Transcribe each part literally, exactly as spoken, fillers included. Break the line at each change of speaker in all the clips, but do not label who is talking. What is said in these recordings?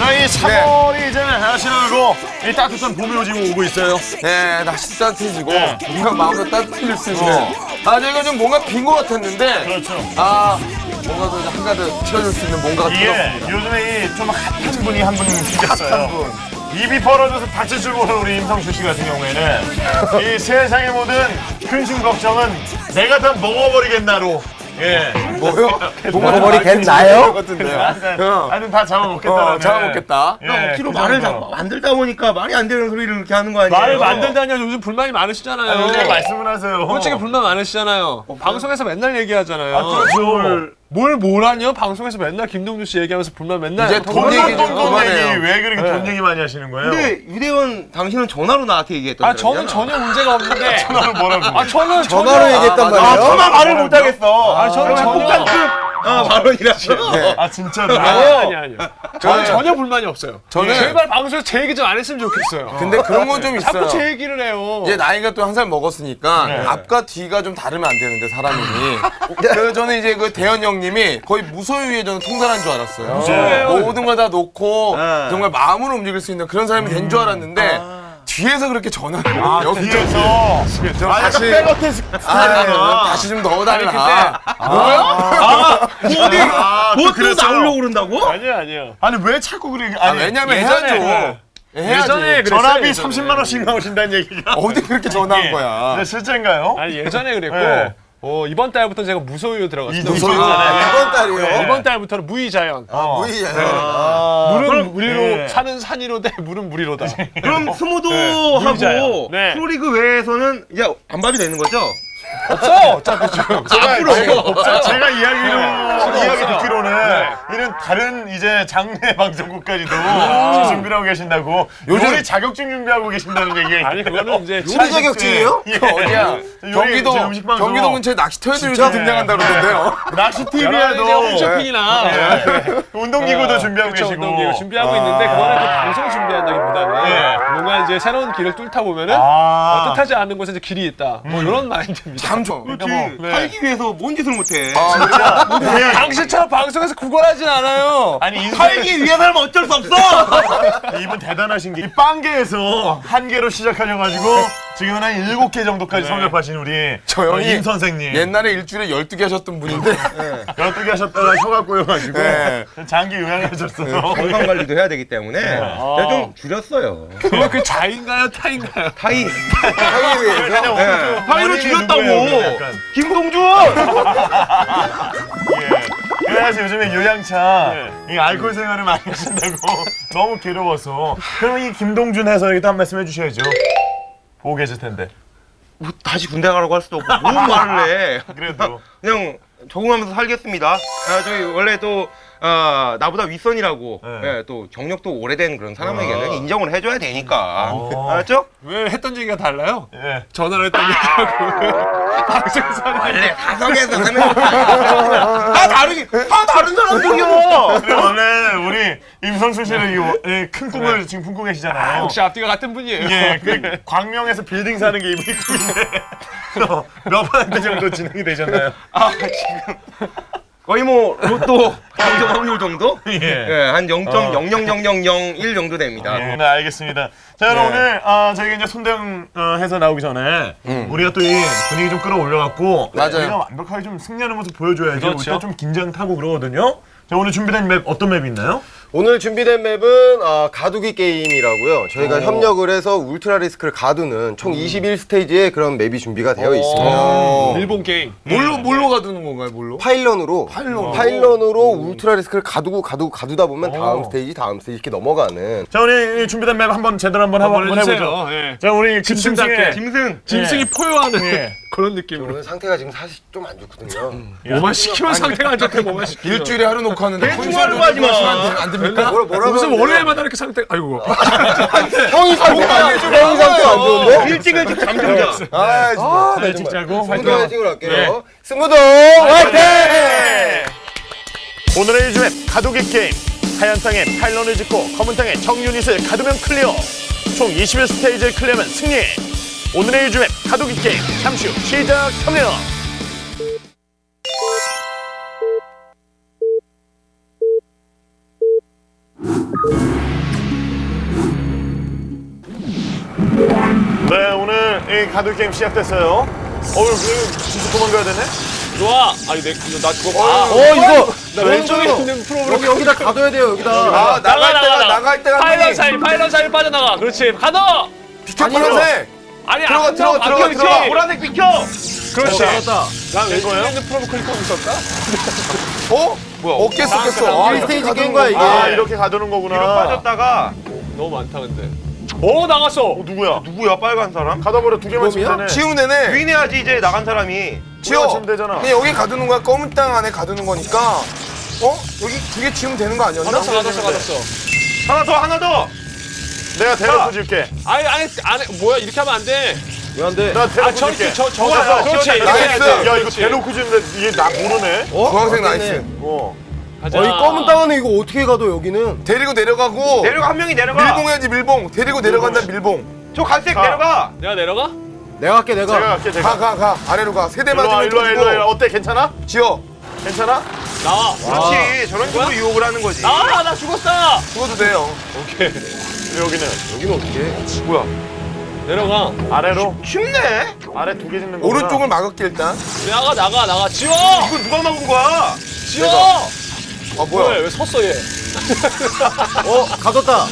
저희 삼월이 네. 이제 하시라고 이 따뜻한 봄이 오지고 오고 있어요.
네, 날씨 따뜻해지고
네.
뭔가 마음도 따뜻해질 수 있는. 아, 저희가 좀 뭔가 빈 것 같았는데.
그렇죠.
아, 뭔가 더 한가득 채워줄 수 있는 뭔가가
이게
들었습니다.
요즘에 이 좀 핫한 분이 한 분 생겼어요.
한 분.
입이 벌어져서 다칠 줄 모르는 우리 임성수 씨 같은 경우에는 이 세상의 모든 근심 걱정은 내가 다 먹어버리겠나로. 예.
뭐요?
먹어버리겠나요?
같은데요.
하여튼 다 잡아먹겠다라는.
어, 잡아먹겠다.
예,
억지로
그
말을
정도로.
다 만들다 보니까 말이 안 되는 소리를 이렇게 하는 거 아니에요?
말을 만들다니요. 요즘 불만이 많으시잖아요.
아, 요즘에 말씀을 하세요.
솔직히 불만 많으시잖아요. 방송에서 맨날 얘기하잖아요.
아, 그렇죠.
뭘 뭐라뇨? 방송에서 맨날 김동준 씨 얘기하면서 불만 맨날.
이제 돈 얘기 좀
돈
그만해요.
얘기 왜 그렇게
네.
돈 얘기 많이 하시는 거예요?
근데 유대원 당신은 전화로 나한테 얘기했던
아 저는 전혀 문제가 없는데.
전화로 뭐라고?
아 저는
전화로
전혀-
얘기했단
아,
말이에요?
맞아.
전화 말을 못하겠어.
아 저는 전혀.
아, 발언이라서.
네.
아 진짜로?
아니요 아니 아니요. 저는
저는-
전혀 불만이 없어요.
저는-
제발 방송에서 제 얘기 좀 안 했으면 좋겠어요.
근데 그런 건 좀 있어요.
자꾸 제 얘기를 해요.
이제 나이가 또 한 살 먹었으니까
네.
앞과 뒤가 좀 다르면 안 되는데 사람이. 그래서 저는 이제 그 대현 형님이 거의 무소유의 저는 통달한 줄 알았어요.
무소유예요.
모든 걸 다 놓고
네.
정말 마음으로 움직일 수 있는 그런 사람이 된 줄 알았는데 뒤에서 그렇게 전화를 아,
뒤에서
좀
아,
다시
백어택 스타일이구나.
아, 다시 좀 넣어달라.
어디,
아,
뭐 또
그랬어요?
나오려고 그런다고?
아니요 아니요.
아니 왜 자꾸 그래?
아,
아니
왜냐면
예전에
해야죠. 해야지.
예전에 그랬어요,
전화비
예전에.
삼십만 원씩 나오신다는 얘기가
어디 그렇게 전화한
예.
거야.
네, 실제인가요?
아니 예전에 그랬고
네.
어, 이번 달부터 제가 무소유로 들어갔어요.
무소유.
아, 이번 달이요.
네, 이번 달부터는 무이자연.
어.
무이잖아요.
물은 무리로
네.
산은 산이로 돼 물은 무리로다.
그럼 스무도
물자요.
하고
네.
프로리그 외에서는 이제 안 봐도 되는 거죠?
없어 어차피 지금.
제가,
앞으로
제가,
없어.
제가 이야기로 이야기
없어요.
듣기로는
네.
이런 다른 이제 장내 방송국까지도 준비를 하고 계신다고
요즘-
요리 자격증 준비하고 계신다는 얘기가
아니 그거는 이제
요리 자격증이에요?
예.
그 어디야?
요리,
경기도
저 음식 방송.
경기도 근처에 낚시터에도 요즘 등장한다 그러던데요.
낚시
이제
티비에도
홈쇼핑이나
운동기구도 준비하고
그쵸,
계시고
운동기구 준비하고 있는데 그거는 그 방송 준비한다기보다는
예.
뭔가 이제 새로운 길을 뚫다 보면은
아.
어, 뜻하지 않은 곳에 이제 길이 있다. 뭐 이런 마인드입니다.
참 좋아.
그러니까 뭐
네.
살기 위해서 뭔 짓을 못해.
네.
당신처럼 방송에서 구걸하진 않아요.
아니 인생
살기 위해서는 어쩔 수 없어!
이분 대단하신 게 이 빵개에서 한 개로 시작하셔가지고 지금은 한 일곱 개 정도까지 성접하신 우리
저 형이
임 선생님
옛날에 일주일에 열두 개 하셨던 분인데
열두 개 하셨다가 혀가 꼬여가지고
네.
장기 요양하셨어요.
건강 관리도 해야 되기 때문에 제가 좀 줄였어요.
그거 그 자인가요 타인가요?
타이.
하기 위해서
네.
타이로 줄였다고!
약간.
김동준!
예. 그래서 요즘에 요양차 이 알코올 생활을 많이 하신다고 너무 괴로워서 그럼 이 김동준 해설에도 한 말씀 해주셔야죠. 보고 계실 텐데.
뭐 다시 군대 가라고 할 수도 없고 뭔 말을 해.
그래도
그냥 적응하면서 살겠습니다. 아, 저희 원래 또 아, 나보다 윗선이라고
네.
예, 또 경력도 오래된 그런 사람에게는
아.
인정을 해줘야 되니까.
어.
알았죠?
왜 했던 얘기가 달라요?
예.
전화를 했던 얘기하고 방송에서는
원래 사석에서 하면 다 다르게 다 다른 사람들이요.
근데 원래 우리 임성수 씨는 이, 워- 이 큰 꿈을 지금 품고 계시잖아요.
역시 앞뒤가 같은 분이에요.
예, 그 광명에서 빌딩 사는 게 이분이 꿈인데 어, 몇 퍼센트 정도 진행이 되셨나요?
아 지금 거의 뭐 로또 당첨 확률 정도?
예.
예, 한 영 점 영영영영영일 정도 됩니다.
예, 네, 알겠습니다. 자, 그럼 오늘 아, 저희가 이제 손대영 어, 해서 나오기 전에 우리가 또 이 분위기 좀 끌어올려갖고
맞아요.
우리가 완벽하게 좀 승리하는 모습 보여줘야지.
그렇죠.
일단 좀 긴장 타고 그러거든요. 자, 오늘 준비된 맵 어떤 맵이 있나요?
오늘 준비된 맵은 어, 가두기 게임이라고요. 저희가 협력을 해서 울트라 리스크를 가두는 총 이십일 스테이지의 그런 맵이 준비가 되어 있습니다.
일본 게임.
뭘로 뭘로 가두는 건가요? 뭘로?
파일런으로
파일런으로.
파일런으로 울트라 리스크를 가두고 가두고 가두다 보면 다음 스테이지 다음 스테이지 이렇게 넘어가는.
자, 오늘 이 준비된 맵 한번 제대로 한번 한번
한번
해보죠.
해주세요. 예.
자, 우리
짐승답게.
짐승의
짐승.
짐승이 포효하는
예.
그런 느낌으로.
오늘 상태가 지금 사실 좀 안 좋거든요.
뭐만 시키면 상태가 안 좋대. 뭐만 시키면.
일주일에 하루 놓고 하는데
대충하는 거 하지 마.
안 됩니까?
뭐라 뭐라고
무슨
하는데요?
월요일마다 이렇게 상태. 아이고.
형이 상태가 안 좋은데 형이 상태가 안 좋은데?
일찍 일찍 잠들자.
아 정말.
네, 찍자고
승부도 화이팅으로 할게요. 승부도
네.
화이팅!
오늘의 이 맵 가두기 게임. 하얀 땅에 파일런을 짓고 검은 땅에 정유닛을 가두면 클리어. 총 이십일 스테이지를 클리어하면 승리. 오늘의 이 맵 가두기 게임 잠시 후 시작합니다. 네, 오늘 이 가두 게임 시작됐어요. 어우, 이거 진짜 도망가야 되네?
좋아. 아니 내, 나 죽었. 아,
어 이거
나 왼쪽에 있는 프로그램
여기 여기다 가둬야 돼요 여기다.
아 나갈 때가 나갈 때가
파일럿 사이 파일럿 사이 빠져나가. 그렇지. 가둬.
비켜
아니요.
파란색.
아니
들어가,
안
들어가,
나와.
들어가,
비켜,
들어가.
비켜.
보라색 비켜.
그렇지.
알았다.
나 왼쪽에
거예요?
있는 프로그램 클릭하고 있었다?
어? 뭐야 어깨 쏟겠어.
일 스테이지 깬 거야 이게.
아, 이렇게 가두는 거구나.
뒤로 빠졌다가
너무 많다 근데. 오 나갔어.
어, 누구야?
누구야 빨간 사람?
가둬버려 두 개만 치면 되네.
치우면 되네.
유인해야지 이제 나간 사람이.
치워.
치우면 되잖아.
그냥 여기 가두는 거야. 검은 땅 안에 가두는 거니까. 어? 여기 두 개 치우면 되는 거 아니었나?
가뒀어 가뒀어 가뒀어.
하나 더 하나 더.
내가 대놓고 줄게.
아니 아니 안에 뭐야 이렇게 하면 안 돼.
왜 안 돼?
내가 대놓고
아 저기
줄게.
저
좋아요.
저거 그렇지. 이렇게
나이스.
해야지.
야, 이거
그렇지.
대놓고 주는데 이게 나 모르네?
어?
주황색
맞겠네.
나이스.
어.
가자.
어, 이 검은 땅은 이거 어떻게 가둬 여기는?
데리고 내려가고.
내려가 한 명이 내려가.
밀봉해야지 밀봉. 데리고 내려간다 밀봉.
저 갈색
가.
내려가.
내가 내려가?
내가 할게 내가.
제가 갈게, 제가.
가 가 가. 아래로 가. 세대
일로 와,
맞으면
일로 와, 일로 와, 일로 와.
터지고.
어때? 괜찮아?
지어.
괜찮아?
나와.
그렇지. 저런 식으로 유혹을 하는 거지.
나와 나 죽었다.
죽어도 돼요.
오케이.
여기는
여기는 어떻게?
뭐야?
내려가.
아래로.
쉽네.
아래 두 개 짓는 거.
오른쪽을 막을게 일단.
나가 나가 나가. 지워.
이거 누가 막은 거야?
지워.
아
왜,
뭐야?
왜 섰어 얘?
어 가뒀다.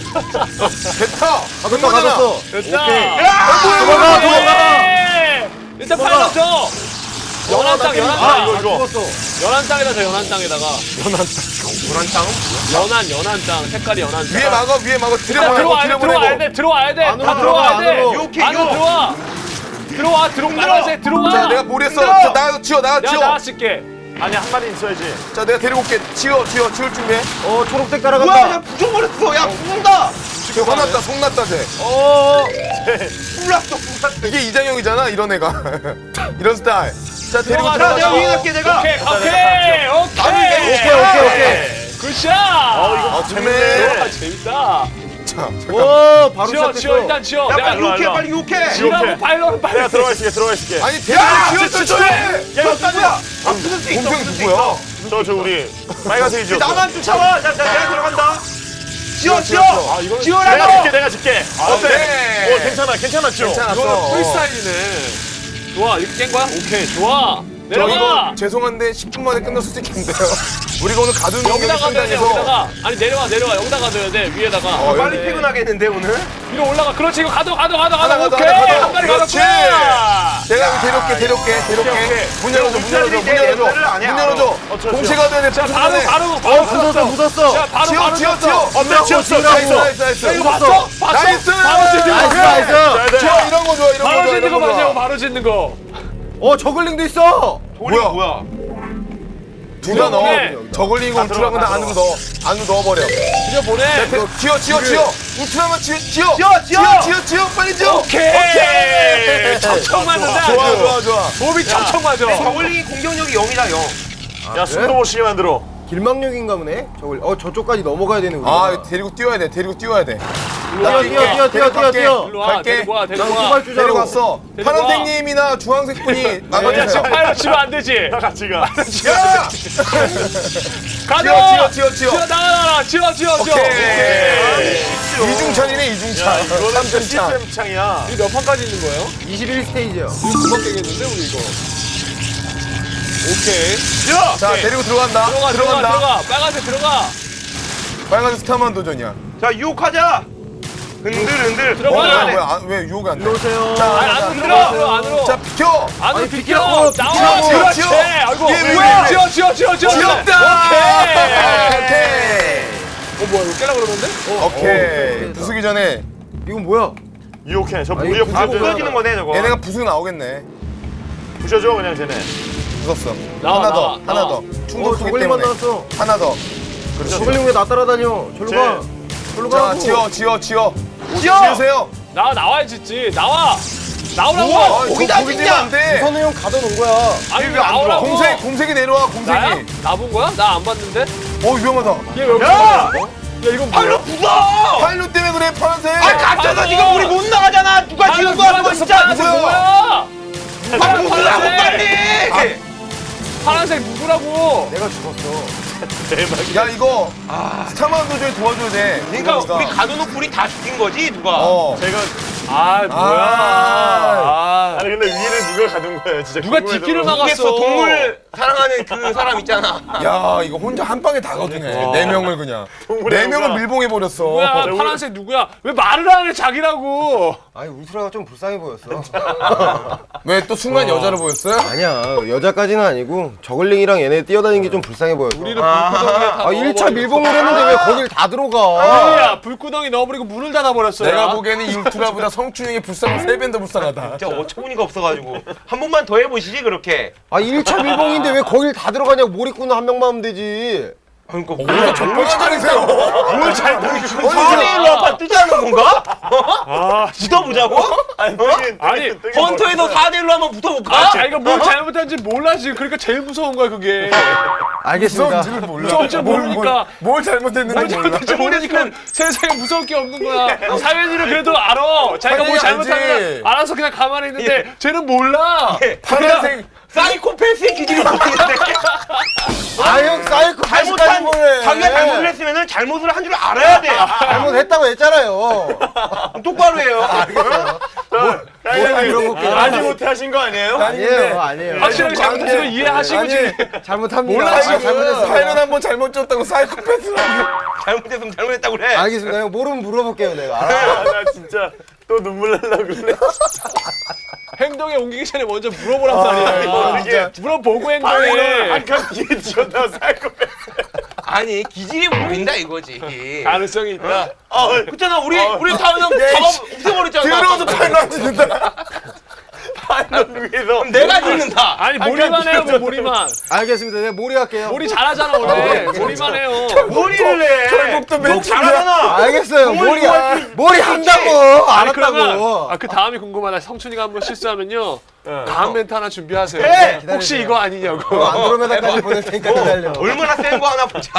됐다.
가뒀다 가뒀어.
됐다.
오케이.
도망가
도망가.
일단 파일럿 줘. 연한 땅 연한
아,
땅.
이거, 이거.
죽었어.
연한 땅이다 저 연한 땅에다가.
노란 땅.
연한 연한 땅 색깔이 연한 땅.
위에 막아 위에 막아
일단
들여보내고
들어와야 돼 들어와야
들여보내고.
돼 들어와야 돼.
안으로
다
들어가,
들어와야 돼.
안으로.
요렇게,
안으로
요.
들어와. 들어와 들어 빨간색 들어와.
자 내가 모르겠어.
힘들어.
자 나 치워 나
내가
치워.
나왔을게.
아니, 한 마리 있어야지.
자 내가 데리고 올게. 치워 치워 치울 준비해.
어 초록색
뭐야? 야
따라간다.
부숴버렸어. 야 부순다.
쟤 화났다 속났다 쟤.
어.
불났어 불났어.
이게 이장형이잖아 이런 애가. 이런 스타일. 자 데리고
들어가,
자
들어가.
내가 위인할게 내가.
오케이 오케이 오케이.
오케이 오케이 오케이.
굿샷.
어, 이거
아,
재밌네.
아, 재밌다.
자 잠깐.
오 바로
지워 지워
시작했어.
일단 지워.
야
내가
빨리
일로 와,
유혹해
일로 와.
빨리 유혹해.
지워.
지라고
오케이.
파일럿 빨리.
내가 들어가 있을게, 들어가 있을게.
아니
야
데리고
진짜
치워
진짜.
치워.
야 누구야? 아 부술 수 있어.
동생
부술 수
누구야?
있어.
저, 저, 우리 빨간색이 지었어.
나만 쫓아와. 자, 자 내가 들어간다. 지워 지워.
아, 이거는
내가
지워라고.
줄게, 내가 줄게. 어때?
네.
오, 괜찮아, 괜찮았죠?
괜찮았어.
이거는 프리스타일이네. 좋아 이렇게 깬 거야? 오케이 좋아.
저
내려가.
이거 죄송한데 십 분 만에 끝날 수도 있겠는데요. 우리가 오늘 가두는
여기다 가둬야 돼
현장에서
여기다가. 아니 내려와 내려와 여기다 가둬야 돼 위에다가.
어,
빨리
네.
퇴근하겠는데 오늘?
위로 올라가. 그렇지 이거 가둬 가둬 가둬
하나
가둬.
가둬,
오케이
하나 가둬.
한 마리
그렇지.
가뒀구나.
내가 여기 데려올게 데려올게
오케이,
데려올게.
오케이.
문 열어줘 문 열어줘 문 열어줘
옛날을 안 해,
문
알아.
열어줘.
어, 저,
동시에
저.
가둬야 돼.
자
무슨
바로
소리야.
바로
어
바로
묻었어 묻었어.
자 바로
치워
바로
치워
졌어.
치워.
어때? 치웠어,
나이스
치웠어.
나이스 나이스.
야, 이거 봤어? 봤어?
나이스.
바로 짓는 거.
나이스 나이스.
좋아 이런 거 좋아 이런 거
바로
좋아
짓는 거
이런 거
맞아요.
좋아.
바로 짓는 거.
어 저글링도 있어.
돌이
뭐야?
뭐야?
두가 넣어.
오케이.
저글링
다
울트라만
들어가,
다 안으로 넣어. 안으로 넣어버려.
그려 보내.
대- 지워 지워 지워. 울트라만 지워 지워.
지워, 지워.
지워 지워 빨리 지워.
오케이. 척척 맞는다.
좋아
아주.
좋아 좋아.
몸이 척척 맞아.
저글링이 공격력이 영이다 영.
야, 숨도 못 쉬게 만들어.
길망력인가 보네. 저걸 어 저쪽까지 넘어가야 되는 거야.
아 데리고 뛰어야 돼. 데리고 뛰어야 돼.
뛰어 뛰어 뛰어 뛰어 뛰어 뛰어.
일로 와.
갈게.
데리고 와.
난
데리고 와.
후발주자로.
데리고 왔어.
데리고 와.
파란색님이나 주황색 분이
야
나가주세요.
지금 파일럿 치면 안 되지.
다 같이 가.
야!
가져.
지워, 지워, 지워.
지워 나가 나가. 지워 지워 지워.
오케이. 이중찬이네
야,
이중찬.
이거는
삼중찬.
시스템 창이야.
이몇 판까지 있는 거예요?
이십일 스테이지야.
이거 금방 깨겠는데 우리 이거. 오케이.
지워.
자 데리고 들어간다.
들어가 들어가
들어간다.
들어가. 빨간색 들어가.
빨간색 스타만 도전이야.
자 유혹하자. 흔들 흔들.
들어가.
어, 뭐야
들어가네.
뭐야 아, 왜 유혹이 안 돼?
일로 오세요.
자,
아니 안으로 들어 안으로 안으로.
자 비켜.
안으로
아니,
비켜.
비켜.
나와.
비켜.
그렇지.
지워.
아이고.
예, 왜,
뭐야?
왜, 왜.
지워 지워 지워 지워.
지웠다.
오케이.
오케이.
어 뭐야 이거 깨라 그러는데?
오케이. 부수기 전에
이건 뭐야?
유혹해. 저
아니,
무리에
부수고
아
부서져.
부서지는 거네 저거.
얘네가 부수기 나오겠네.
부셔줘, 그냥 쟤네.
부쉈어.
나와,
하나 더.
나와,
하나
나와.
더.
어
충돌
저글링만
때문에.
나왔어.
하나 더.
그렇죠.
저글링 왜 나 따라다녀? 절로
쟤.
가. 절로
자
가라고.
지워 지워 지워.
지워.
지우세요.
나와 나와야 짓지. 나와. 나오라고.
아,
거기다
거기
진짜.
뛰면 안 돼.
우선은 형 가둬놓은 거야.
아니
왜안 들어와?
나오라고.
공색 공색이 내려와
나야?
공색이.
나본 거야? 나 안 봤는데?
어 위험하다.
얘 왜?
야!
야 이건
팔로
뭐야?
부숴.
파일럿 때문에 그래 파란색.
아 갇혀서
팔로.
지금 우리 못 나가잖아. 누가 지금 거야 그거 진짜.
파란색
누구야?
뭐야?
아 부수라고
파란색.
빨리.
파란색 누구라고?
내가 죽었어.
야 이거 스타만 도저히 도와줘야 돼.
그러니까 우리 가둬놓고 우리 다 죽인 거지 누가?
어.
제가
아 뭐야? 아,
아니 근데 위를 누가 가둔 거예요? 진짜
누가
궁금해서
뒷길을
그런
막았어?
모르겠어. 동물 사랑하는 그 사람 있잖아.
야 이거 혼자 한 방에 다 거두네. 네 명을 그냥. 네 명을 밀봉해 버렸어.
누구야? 파란색 누구야? 왜 말을 안 해 자기라고?
아니 울트라가 좀 불쌍해 보였어.
왜 또 순간 여자로 보였어요?
아니야 여자까지는 아니고 저글링이랑 얘네 뛰어다니는 게 좀 불쌍해 보였어.
우리를 불구덩이에 다
아 일 차
넣어버리고.
밀봉을 했는데 왜 거길 다 들어가?
야 불구덩이 넣어버리고 문을 닫아버렸어요.
내가 보기에는 이 울트라보다 성춘형이 불쌍한 세 배 더 불쌍하다.
진짜 어처구니가 없어가지고 한 번만 더 해보시지 그렇게.
아 일 차 밀봉인데 왜 거길 다 들어가냐고. 몰입구는 한 명만 하면 되지.
그러니까
오히려 정말 잘하세요.
뭘 잘 모르겠어. 사대일로 아빠 뜨자는 건가? 어? 붙어보자고?
아니,
어?
뜨긴,
아니,
뜨긴, 뜨긴
헌터에서
멋있어.
사대일로 한번 붙어볼까?
아, 자기가 뭘 잘못한지 몰라 지금. 그러니까 제일 무서운 거야 그게.
알겠습니다.
무서운지를 몰라.
무서운지
뭘,
모르니까.
뭘, 뭘 잘못했는지
뭘
몰라.
잘못한지 모르니까 세상에 무서울 게 없는 거야. 사회인은 그래도 알아. 자기가 뭘
당연히
잘못하면
알지.
알아서 그냥 가만히 있는데 쟤는 몰라.
파란색
사이코패스의 기질이 보이는데
아형 사이코
잘못한 자기가 잘못을 했으면은 잘못을 한 줄 알아야 돼.
잘못했다고 했잖아요.
똑바로 해요.
아니,
물어볼게요.
아지 못해 하신 거 아니에요?
아니에요 아니에요.
확실하게 잘못했으면 이해하시고 지금.
잘못합니다.
몰라,
아,
지금.
잘못했어요.
사연은 한번 잘못 줬다고 사이코패스라고.
잘못했으면 잘못했다고 그래.
알겠습니다. 형 모르면 물어볼게요 내가. 알아.
아, 나 진짜 또 눈물 날라 그러네.
행동에 옮기기 전에 먼저 물어보란 말이야.
이게
물어보고
아이를
행동해.
한칸 뒤에 지었다 사이코패스.
아니 기질이 보인다 이거지.
가능성이 있다.
아,
그렇잖아 우리 우리 다 그냥 잡아 없애버렸잖아.
들어서 팔만 짓는다.
파일럿 위에서
그럼 내가 짓는다.
아니 몰이만 해요 뭐 몰이만.
알겠습니다. 내가 몰이 할게요.
몰이 잘하잖아 원래. 몰이만 해요.
머리를 해.
결국도
너
맨
잘하잖아.
알겠어요. 몰이 몰이 한다고
아니 그러면
알았다고.
아, 그 다음이 궁금하다. 성춘이가 한번 실수하면요. 다음 멘트 하나 준비하세요.
해!
혹시 이거 아니냐고.
안드로메다까지 보낼 테니까 기다려.
얼마나 센 거 하나 보자.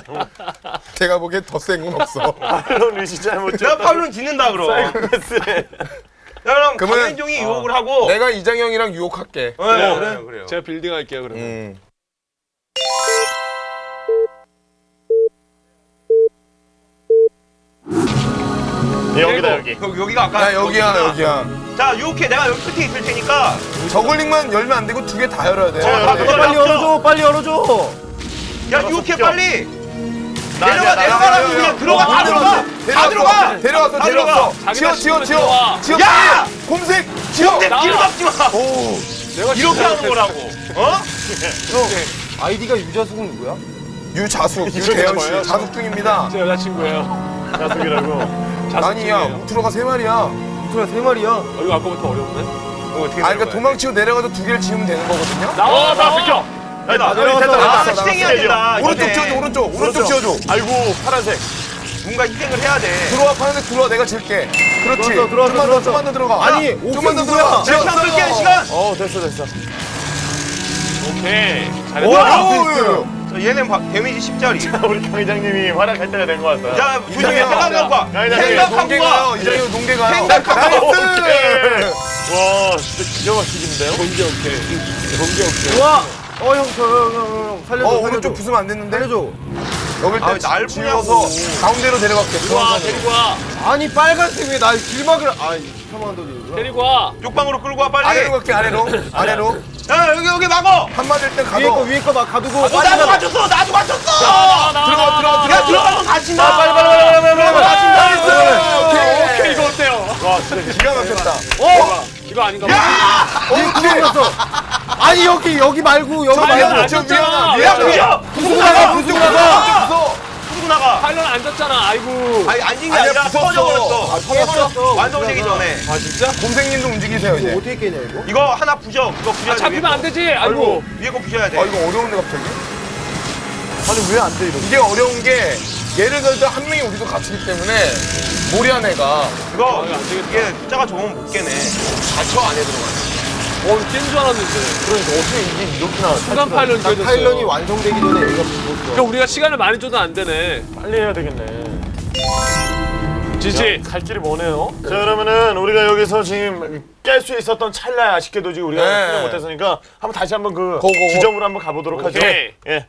제가 보기엔 더 센 건 없어.
파일럿 위시 잘못
내가
지었다.
파울은 짓는다 그럼. 야,
사이코패스네.
그럼
그러면-
강현종이 유혹을 하고.
내가 이장형이랑 유혹할게.
네, 그래요, 그래요.
제가 빌딩 할게요 그러면.
음.
여기다 여기.
여기, 여기가 아까.
야 여기야 여기야.
자, 유혹해. 내가 여기 끝에 있을 테니까.
저글링만 열면 안 되고 두 개 다 열어야 돼.
자,
아,
네.
그거
빨리
잡죠.
열어줘. 빨리 열어줘.
야, 유혹해
습격.
빨리.
나야,
내려가,
나야,
내려가라고
나야,
그냥
나야.
들어가, 다 들어가. 다 들어가.
데려왔어
다
데려왔어.
들어가.
지어 지어
자기가
지어.
들어와.
지어.
야!
곰색 지어.
내
나와.
기름 잡지 마.
오.
내가
이렇게 하는 거라고. 어?
아이디가 유자숙은 누구야?
유자숙
이쪽에
유대현
뭐예요?
씨 자숙 중입니다.
제 여자친구예요.
자숙이라고.
아니야 우트로가 세 마리야.
울트라 세 마리야.
어, 이거 아까부터 어려운데?
어, 어떻게
아 그러니까 도망치고 내려가서 두 개를 지으면 되는 거거든요.
나와 나와 비켜.
야, 나
내려갔어,
됐다,
아,
됐다.
희생해야
됐다.
된다.
오른쪽
이제.
지어줘 오른쪽 오른쪽 지어줘.
아이고 파란색.
뭔가 희생을 해야 돼.
들어와 파란색 들어와 내가 질게. 그렇지.
들어왔어, 들어왔어,
좀만 더
들어왔어.
좀만 더 들어가.
아니,
야,
옥수
좀만 더
누구야?
들어가.
내 시간 끌게 한 시간.
어 됐어 됐어.
오케이.
오,
잘했다.
오,
자, 얘는 바, 데미지 십짜리.
우리 강 회장님이 활약할 때가 된 것 같다.
자, 조심해.
이장형.
생각하고 가.
야, 이장형.
생각하고
농계
가.
가요. 이제 농계 가요.
생각하고
오케이.
나이스.
와 진짜 기가 막히긴데요?
경기 오케이. 경기 오케이.
우와. 어, 형, 저, 형, 형, 형, 살려줘.
어
살려줘.
오른쪽 부수면 안 됐는데.
살려줘.
여길
아,
때
날
지어서 가운데로 데려갈게.
와
중앙선으로.
데리고 와.
아니, 빨간색 왜날 길막을. 아, 십삼만 더
데리고 와.
쪽방으로 끌고 와 빨리.
아래로 갈게 아래로. 아래로.
야, 여기 여기 막어.
한 맞을 땐
위에 거,
가도.
위에 거 막 가두고.
어,
빨리
나도
가라.
맞췄어. 나도 맞췄어.
나와 나와
들어가,
나와.
들어가,
야, 들어가면 다친다.
빨리 빨리 빨리 빨리 빨리 빨리.
나이스.
오케이
오케이.
이거 어때요?
와 진짜
기가 막혔다.
어? 이거 아닌가 봐.
어, 구멍났어. 아니, 여기, 여기 말고, 여기
아니,
말고.
안 졌잖아.
야, 부셔.
부수고 나가, 부수고 나가.
부수고 나가.
파일럿 앉았잖아. 아이고.
아니 앉은 게
아니야,
아니라
부쉈어.
터져버렸어.
아, 터졌어?
완성되기 전에.
아 진짜?
곰생님도 움직이세요
이거
이제.
어떻게 깨냐, 이거?
이거 하나 부셔. 그거 부셔야
아,
돼.
잡히면 안 되지. 아이고.
위에 거 부셔야 돼.
아 이거 어려운데 갑자기?
아니 왜 안 돼 이러고?
이게 어려운 게 예를 들어 한 명이 우리도 갇히기 때문에 모리한 애가
이거
아, 안 되겠다.
이게 숫자가 좋으면 못 깨네. 갇혀 안에 들어가.
어 깬 줄 알았는데.
그러니까 어떻게 이게 이렇게 나와?
순간 파일럿이
딱
깨졌어요.
파일런이 완성되기 전에 얘가 부었어.
그러니까 우리가 시간을 많이 줘도 안 되네.
빨리 해야 되겠네.
지지.
갈 길이 머네요. 자 그러면은 우리가 여기서 지금 깰 수 있었던 찰나에 아쉽게도 지금 우리가
네.
그냥 못했으니까 한번 다시 한번 그
고고고.
지점으로 한번 가보도록 하죠.
오케이.
예.